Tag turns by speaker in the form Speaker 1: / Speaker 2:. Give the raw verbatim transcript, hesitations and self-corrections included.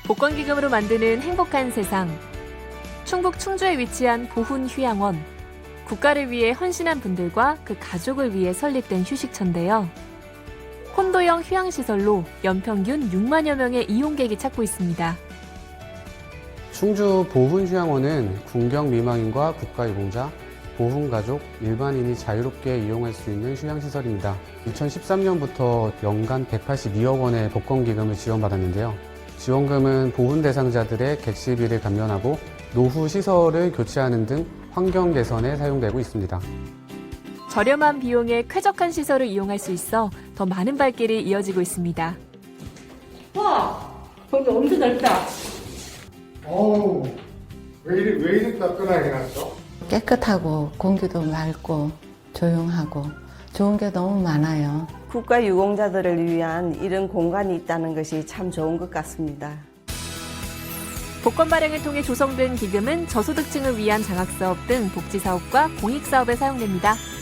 Speaker 1: 복권기금으로 만드는 행복한 세상. 충북 충주에 위치한 보훈휴양원. 국가를 위해 헌신한 분들과 그 가족을 위해 설립된 휴식처인데요. 콘도형 휴양시설로 연평균 육만여 명의 이용객이 찾고 있습니다.
Speaker 2: 충주 보훈휴양원은 군경 미망인과 국가유공자, 보훈가족, 일반인이 자유롭게 이용할 수 있는 휴양시설입니다. 이천십삼 년부터 연간 백팔십이억 원의 복권기금을 지원받았는데요. 지원금은 보훈 대상자들의 객실비를 감면하고 노후 시설을 교체하는 등 환경 개선에 사용되고 있습니다.
Speaker 1: 저렴한 비용에 쾌적한 시설을 이용할 수 있어 더 많은 발길이 이어지고 있습니다.
Speaker 3: 와, 거기 엄청 넓다.
Speaker 4: 어우, 왜 이리, 왜 이리 따끈하게 해놨어?
Speaker 5: 깨끗하고 공기도 맑고 조용하고 좋은 게 너무 많아요.
Speaker 6: 국가유공자들을 위한 이런 공간이 있다는 것이 참 좋은 것 같습니다.
Speaker 1: 복권 발행을 통해 조성된 기금은 저소득층을 위한 장학사업 등 복지사업과 공익사업에 사용됩니다.